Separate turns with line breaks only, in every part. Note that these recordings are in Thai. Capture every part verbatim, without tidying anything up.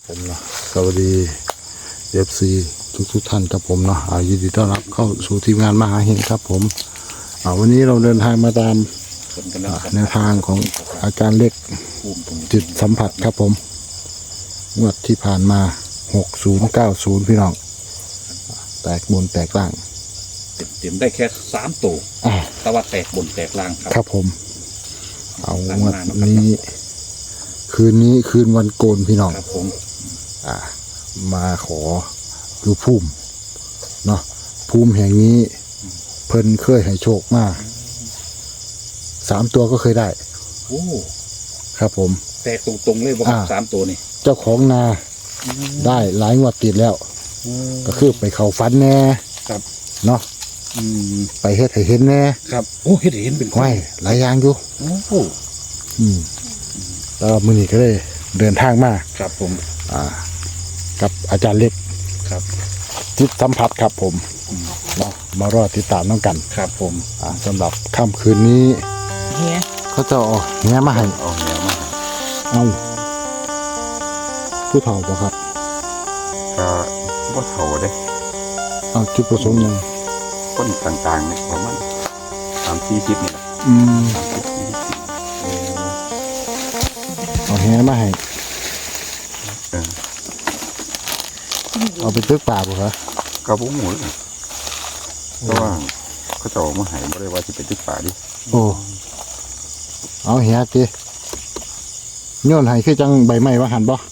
ผมเนาะสวัสดีเอฟซีทุกทุกท่านครับผมเนาะยินดีต้อนรับเข้าสู่ทีมงานมหาเฮงครับผมวันนี้เราเดินทางมาตามแนวทางของอาจารย์เล็กจิตสัมผัสครับผมงวดที่ผ่านมาหกศูนย์เก้าศูนย์พี่น้องแตกบนแตกล่าง
เต็มได้แค่สามตัวแต่ว่าแตกบนแตกล่างครับ
ครับผมเอางวดนี้คืนนี้คืนวันโกนพี่น้อง
ครับผม
อ่ามาขอดูภูมิเนาะภูมิแห่งนี้เพิ่นเคยให้โชคมากสามตัวก็เคยได้
โอ้
ครับผม
แตกตรงๆเลยว่าสามตัวนี่
เจ้าของนาได้หลายงวดติดแล้วก็คือไปเข้าฝันแน่
ครับ
เนาะไปเฮ็ดให้เห็นแน่
ครับโอ้เฮ็ดให้เห็นเป็น
ไว้หลายอย่างอยู่
โอ้โห
อืมแล้วมื้อนี้ก็เลยเดินทางมา
ครับผม
อ่ากับอาจารย์เล็ก
ครับ
จิตสัมผัสครับผมเนาะมารอติดตามน้องกัน
ครับผม
อ่าสำหรับค่ำคืนนี้
เฮีย
เขาจะเอาแง่มาให้
เอาแง่มาให้
เอาผู้เฒ่าป่ะครับ
ก็บ่เฒ่าเด้
เอาจุดประสงค์ยัง
คนต่างๆเนี่ยประมาณสามสี่สิบนี่แหละ
อืมเอาแง่มาให้เอาไปตึกป่าป่ะครับ
กระบุ้งหมูเลยเพราะว่าเขาจะเอามาให้บ่ได้ว่าจะเป็นตึกป่าดิ
โอ้เอาเฮียตีโยนให้คือจังใบไม้ว่าหันบ่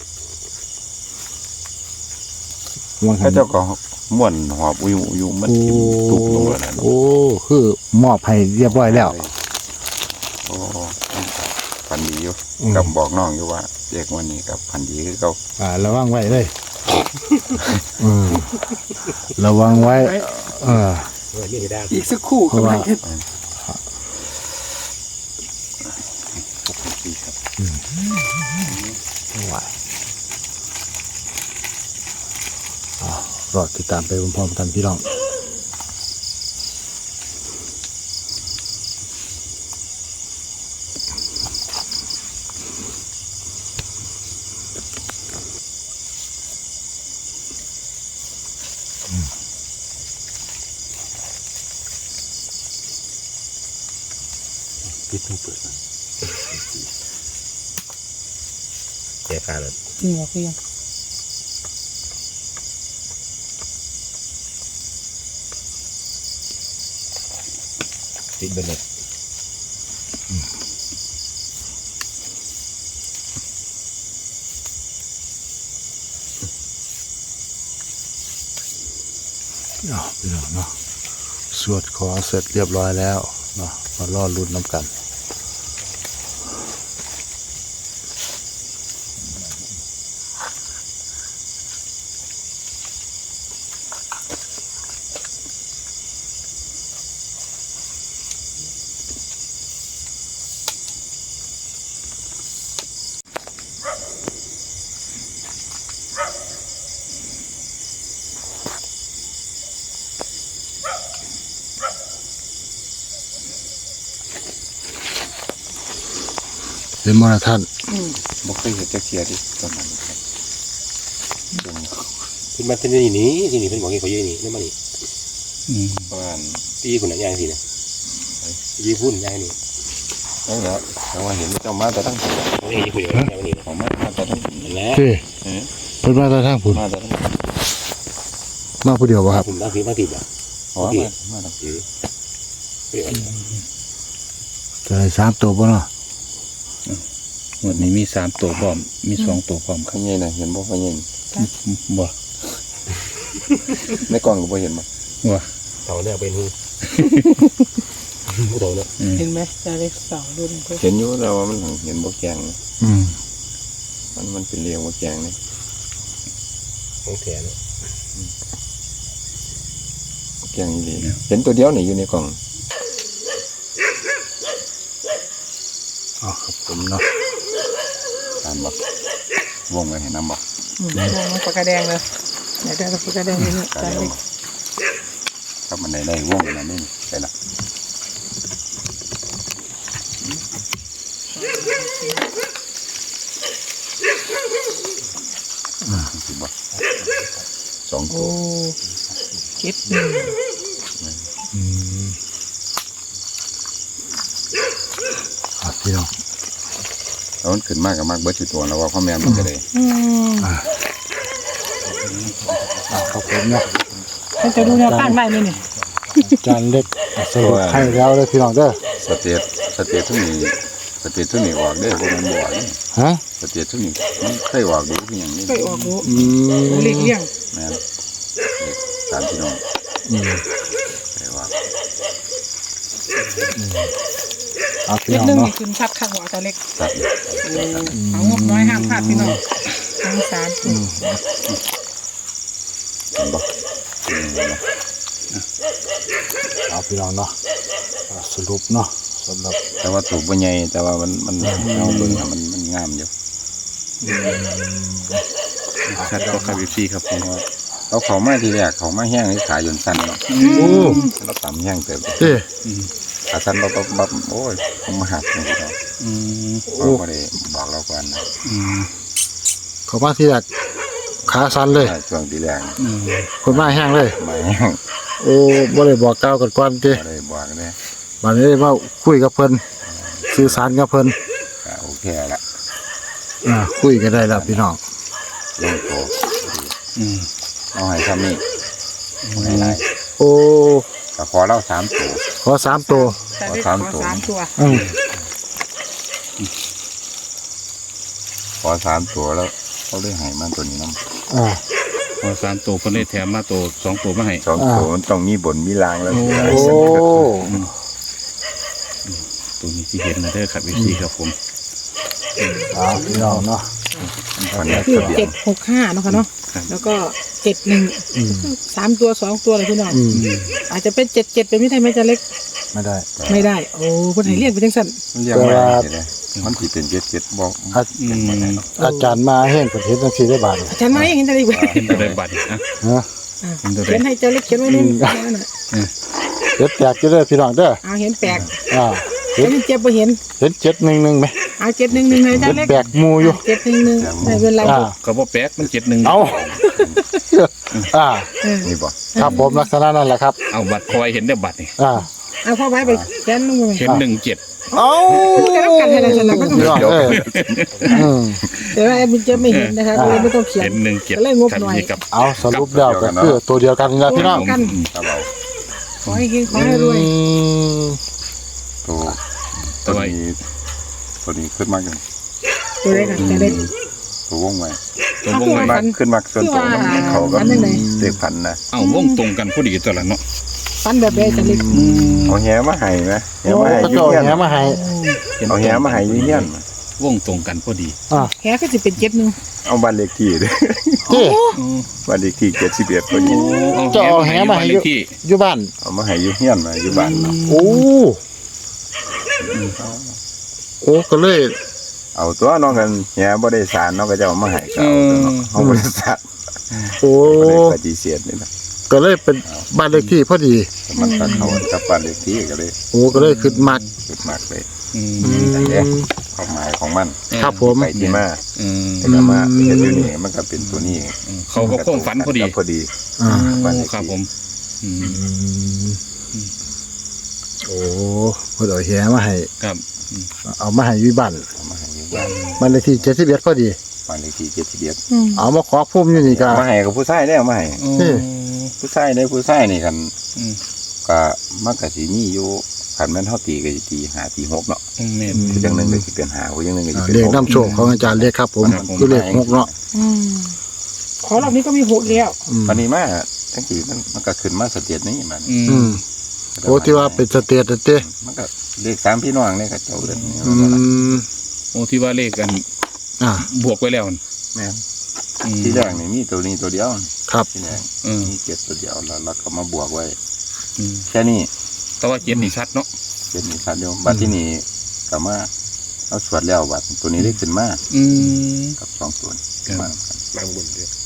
เขาเจ้าก็ม้วนหอบอยู่อยู่มันกินตุกลงแล้วนะ
โอ้คือมอบให้เรียบร้อยแล้ว
โอ้พันดีอยู่กับบอกน้องอยู่ว่าเด็กวันนี้กับพันดีคือเขา
อ่าระวังไว้เลยอืมระวังไว้เออ
อีกสักครู่
เพราะว่ารอติดตามไปพร้อมๆกันพี่น้อง
ปิดต้องเปิดแก่การเลย
นี่เหรอพี่ยัง
ติดไปเลย
เนาะพี่น้องเนาะสวดขอเสร็จเรียบร้อยแล้วเนาะมาล่อรุ่นน้ำกันเป็นมรท่าน
บ่เคยเห็นจักเทียดิตอนนั้นครับ
ขึ้นมาที่นี่นี่ที่นี่เป็นบอกงี้เขาเยอะนี่ไม่มานี่
ประมาณ
ตีคนไหนย่างสิเนี่ยยีพุ่นย่างนี่
นั่นแหละแต่ว่าเห็นเจ้ามาแต่ตั้งแต่
นี่ยีพุ่นอย่างนี้นี่
ของมาแต่ตั้ง
แล้วเป็นมาแต่ทั้งผุน
มาแต่ตั้ง
มาผู้เดียวป่ะครับ
ผมตั้งทีมาติดอ่ะ
อ๋อมามาตั้งที
จะได้สามตัวป่ะเนาะ
วันนี้มีสามตัวพร้อมมีสองตัวพร้อม
ข้างใหญ่น่ะเห็นบ่ข้างใหญ่
บ่
ในกล่องก็บ่เห็นบ่
ว่าเต่าเนี่ยเป็นหูหูเต่าเนี่ย
เห็นไหมจะเล็กสองรุ่น
เห็นอยู่แล้วว่ามันเห็นบ่แกง
อืม
มันมันเป็นเรียงบ่แกงนี่
ของแถเนี่ย
บ่แกงนี่เห็นตัวเดียวนี่อยู่ในกล่อง
อ๋อครับผมเนาะ
ตามบอกวงไว้เห็นน้ำบอก
วงมันปากกาแดงเลยไหนได้ปากกาแดงนี่ใจเล็ก
ครับมันได้ได้วงอะไรนี่ใช่ละ
อ
สิบ่สองตั
โอ้
ว
เจ็ดหนึ่ง
อืมอ่ะพี่น้อง
แล้วมันขึ้นมากกับมากเบิดสิตัวแล้วว่าพ่อแม่มันก็ได้
อืม
อ่ะครับผมเนาะ
มันจะดูแนวข้างได้ไหมนี่
จานเล็กสรุปให้แล้วเลยพี่น้องเด้อ
สเตียสเตียทุกนี้สเตียทุกนี้ออกได้พวกมันบ่อนี่
ฮะ
สเตียทุกนี้มันเคยออกดูคืออย่างนี้
เคยออกรู้
อืม
หลีกเลี่ยง
แม่นตามพี่น้อง
อืม
เคยออก
เอาพี่
เจ็ด
น้อง
หนึ่ง
เนาะ
นี่คืนชัดข้างหัวตัวเล็ก
ตัด
เอางบน้อยห้ามพลาดพี่น้องทั้งสาม
อืม
เห็นบ่อืมเนาะ
เอาพี่น้องเนาะอ่ะสรุปเนาะสำหรับ
แต่ว่าถูกบ่ใหญ่แต่ว่ามันมันเอาเบิ่งอะมันมันงามอยู่
ชัดก็ครับอีซี่ครับผม
เอาเขามาทีแรกเขามาแห้งให้ขายยนสั้นเนาะ
โอ้
เราตำแห้งเติม
เอ๊ะ
ขาสั้นเราปั๊บปั๊บโอ้ยผมมาหักเลยเรา
อืม
เขาไม่ได้บอกเราก่อนนะ
อืม
เขามาที่แรกขาสั่นเลย
ช่วงทีแรก
อืม
คนมาแห้งเลย
มาแห้ง
โอ้บ่ได้บอกกล่าวกันก่อนติ
ไม่ได้บอกเลย
บัดนี้มาคุยกับเพิ่นสื่อสารกับเพิ่น
ก็โอเคละ
อ่าคุยกันได้แล้วพี่น้อง
ลงโต
อืม
เอาให้ทำนี่ให้ไร
โอ้
ก็ขอเล่าสามตัว
ขอสามตัว
แต่เล็กขอ
สามตัว
สามตัว
อืม
ขอสามตัวแล้วเขาเลยให้มันตัวนี้น้
อ่า
พอสามตัวเพิ่นเลยแถมมาตัวสองตัวมาให้
ำสองตัวมันต้องมีบนมีลางแล้ว
โอ้
โอ้
ตัวนี้ที่เห็นนะเด้อครับอีซี่ครับผม
อ่าพี่น้องเนาะ
มันเนี่ย
คือ
ทะเบียน
เจ็ดหกห้าเนาะค่ะเนาะแล้วก็เจ็ดหนึ่ง
อืม
สามตัวสองตัวเลยพี่น้อง
อืม
อาจจะเป็นเจ็ดเจ็ดเป็นไม่ได้ไหมจะเล็ก
ไม่ได้
ไม่ได้ โอ้คนไหนเรียกไปจังสัน
เรียกว่าอะไรเนี่ยมันสิเป็นเจ็ดเจ็ดบอก
อา
อืม
อาจารย์มาแห้งประเทศจังซี่ได้บาด
อาจารย์มาเห็นจะเล็ก
เห็นตัวใดบัตรนะ
ฮะ
เห็นตัวใด
เขียนให้เจ้าเล็กเขียนไว้นู่นนั่นน่ะ
เจ็ดแตกจะได้อพี่น้องเด้อ
เอาเห็นแปลก
อ่า
เห็นเจ็บไปเห็น
เห็นเจ็ดหนึ่งหนึ่งไหม
เอาเจ็ดหนึ่งหนึ่งเลยจ้า
เห็น
เล็ก
แบกหมูอยู่
เจ็ดหนึ่งหนึ่งไม่เป็นไร
อ่า
ก็บ่แปลกมันเจ็ดหนึ่ง
เอาอ่า
เออ
นี่บอก
ครับผมลักษณะนั่นแหละครับ
เอาบัตรคอยเห็นได้บัตรนี่
อ่า
เอาพ่อไว้ไปเขียนลงไป
เห็นหนึ่งเจ็ด
เอา
จะรับกันให้เราชนะก็ต้อง
พี่น้องเอ้ยอืม
แต่ว่าแอดมินเจะไม่เห็นนะคะก็เลยไม่ต้องเขียน
เห็นหนึ่งเจ็ด
จะเล่นงบ
ครับ
หน่อย
นี่กับ
เอาสรุปแล้วก็คือตัวเดียวกันนี่ละพี่น้อง
กัน
ถ้าเรา
ขอให้เฮงขอให้รวย
อืม
ตัว
ตั
ตัว
ว
นี้ตัวนี้ขึ้นมากอย่าง
ตัวเล็กค่ะจะเล็ก
ตัววงไว้
ตัววงไว้
มากขึ้นมากส่วนตัวมันเขาก็
อันนั้นไหน
เด็กพันนะ
เอาวงตรงกันพอดีตัวละเนาะ
ฟันแบบใดจะเล็ก
เอาแหมาให้ไหมแห
โอ้
มาให้
ก็
ยื
เจ้า
เฮียน
แหมาให้
เอาแหมาให้ยืเฮียน
วงตรงกันพอดี
อ่า
แค่ก็จะเป็นเจ็ดหนึ่ง
เอาบ้านเลขที่เด้อ
ที่
บ้านเลขที่เจ็ดสิบเอ็ดพอดี
จะเอาแหมาให้
เล
อยู่
ขที่
อยู่บ้าน
เอามาให้ยืเฮียนมาอยู่บ้านเนาะ
โอ้โอ้ก็เลย
เอาตัวน้องกันแหบ่ได้สารน้องก็จะเอามาให้เขาเอาตัวเนาะเอาบริษัท
โอ้
บ่ได้ปฏิเสธนี่นะ
ก็เลยเป็นบ้านเลขที่พอดี
แต่มันตัดเขากับบ้านเลขที่ก็เลย
โอ้ก็เลยขึ้นมัก
ขึ้นมากเลย
อืม
อืม
ความหมายของมัน
ครับผม
ไปที่มา
อืม
แต่ก็มาเห็นอยู่นี่มันก็เป็นตัวนี้
เขาก็โค้งฝันพอดี
พอดี
อ่า
บ้านเลขที่
ครับผมอืม
อืมโอ้เพิ่นเอาแหมาให้
ครับ
เอามาให้อยู่บ้าน
เอามาให้อยู่บ้าน
บ้านเลขที่เจ็ดสิบเอ็ดพอดี
บ้านเลขที่เจ็ดสิบเอ็ด
เอามาขอพุ่มอยู่นี่ก็
มาให้กับผู้ชายได้เอามาให้
นี่
ผู้ชายได้ผู้ชายนี่กัน
อืม
ก็มันก็สิมีอยู่คันแม่นเฮาตีก็สิตีห้าตีหกเนาะ
อืมแม่น
ผู้จังหนึงก็สิเป็นห้าผู้จังหนึงก็สิ
อ่า
เป็น
เลข
หก
น้ำโชคของอาจารย์เลขครับผม
ครับผม
คือเลขหกเนาะ
ขอรอบนี้ก็มีหกแล้ว
อืม
วันนี้มาทั้งที่มันมันก็ขึ้นมาสเตียดนี้มัน
อืม
อืมโอ้ที่ว่าเป็นสเตตเต้
มันก็เลขสามพี่น้องนี่ก็เจ้าเรื่องนี้
อืม
โอ้ที่ว่าเลขกัน
อ่า
บวกไว้แล้วนั่น
แม่น
อืม
ที่แรกนี่มีตัวนี้ตัวเดียว
ครับ
ที่แรก
อืม
มีเจ็ดตัวเดียวแล้วเราก็มาบวกไว้
อืม
แค่นี้
แต่ว่าเจ็ดนี่ชัดเนาะ
เป็นมีคันเดียวบัดที่นี่ก็มาเอาสวดแล้วบัดตัวนี้ได้ขึ้นมา
อืม
กับสองตัวนี้
ครับ
มากัน
บางบนเดียว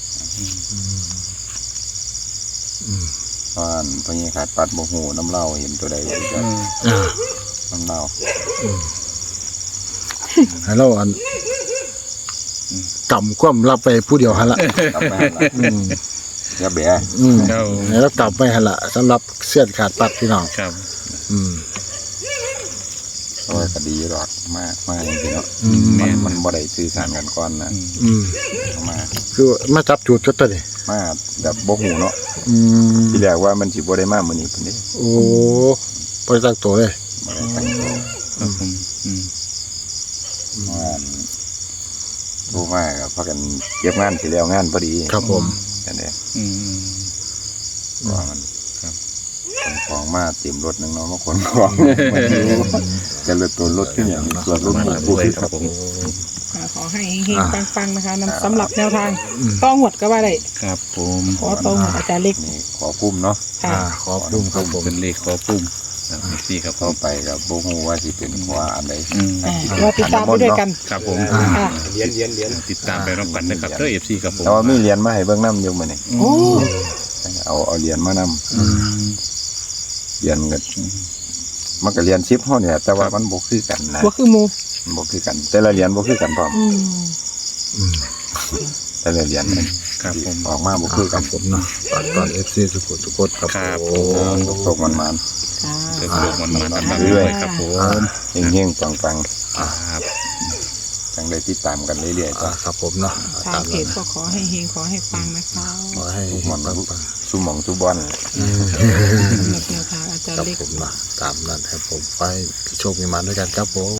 อืม
ตอนพอนี้ขาดปัดโมโหน้ำเหล้าเห็นตัวใดเลยก็
อืม
อ่า
น้ำเหล้า
ให้เราอันกำความรับไปผู้เดียวหันละ
กลับมาละ
อืม
อย่าเบะ
อืม
เจ้า
แล้วกลับไปหันละสำหรับเสี้ยนขาดปัดพี่น้อง
ครับ
อืม
เพราะว่าคดีหรอกมากมากจริงๆเนาะ
อืม
มันมันบ่ได้สื่อสารกันก่อนนะ
อืม
เอามา
คือมาจับจุดก็ตัวนี้
มาแบบบ่หูเนาะ
อืม
ที่แรกว่ามันสิบ่ได้มามื้อนี้พุ่นนี้
โอ้ไปตั้งตัวเลย
บ่ได้ตั้งตัว
ครับผมอืม
ว่าโทรมาก็พากันเก็บงานสิแล้วงานพอดี
ครับผม
จังได๋
อืม
ว่ามัน
ครับ
ขนของมาเต็มรถนึงเนาะมาขนของมาอยู่จะรถตัวรถขึ้นอย่างนี้ส่วนรถหมู่
ด้
ผู้
วย
ที่
ครับผม
อ่าขอให้เฮงๆปังๆนะคะนำสำหรับแนวทางต้องหวดก็ว่าได้
ครับผม
ขอต้องหวดอาจารย์เล็ก
นี่ขอพุ่มเนาะ
ค่ะ
อ่าขอบคุณครับผม
เป็นเลขขอปุ่มครับสี่ครับผ
เข้าม ไปก็บ่ฮู้ว่าสิเป็นขวาอันใด
อืม
อ่าเราติดตามไปด้วยกัน
ครับผม
ค่ะ
ติดตามไปรับกันนะครับเด้อเอฟซีครับผม
แต่ว่ามีเหรียญมาให้เบิ่งนำอยู่มื้อนี้
โอ้
เอาเอาเหรียญมานำ
อืม
เหรียญก็มันก็เหรียญสิบเฮาเนี่ยแต่ว่ามันบ่คือกันนะ
หัวคือหมู
มันบ่คือกัน แต่ละเหรียญบ่คือกันพร้อม
อืม
อืม
แต่ละเหรียญนี่
ครับผม
ออกมาบ่คือ
ค
กั
รั
น
บผมเนาะฝากก่อนเอฟซีสุขุมทุกคนครับ
ครับ
ผ
ผม
ม
ตกๆมัน
ค่ะ
เดี๋ยวโลกมันมาตามๆด้วยครับผม
ๆเฮงๆปัง
ครับ
ๆจังได้ติดตามกันเรื่อยๆ
อ่า
จ้ะ
ครับผมเนาะ
ทางเพจก็ขอให้เฮงขอให้ปังนะคะ
ขอให้
ทุก
ปั
มัน
งปัง
สุหมองสุบอน
สำหรับแนวทางอาจาร
ครั
ย์
บ
เล็ก
ผมเนาะตามนั้นครับผมไปพี่โชคมีมาด้วยกันครับผม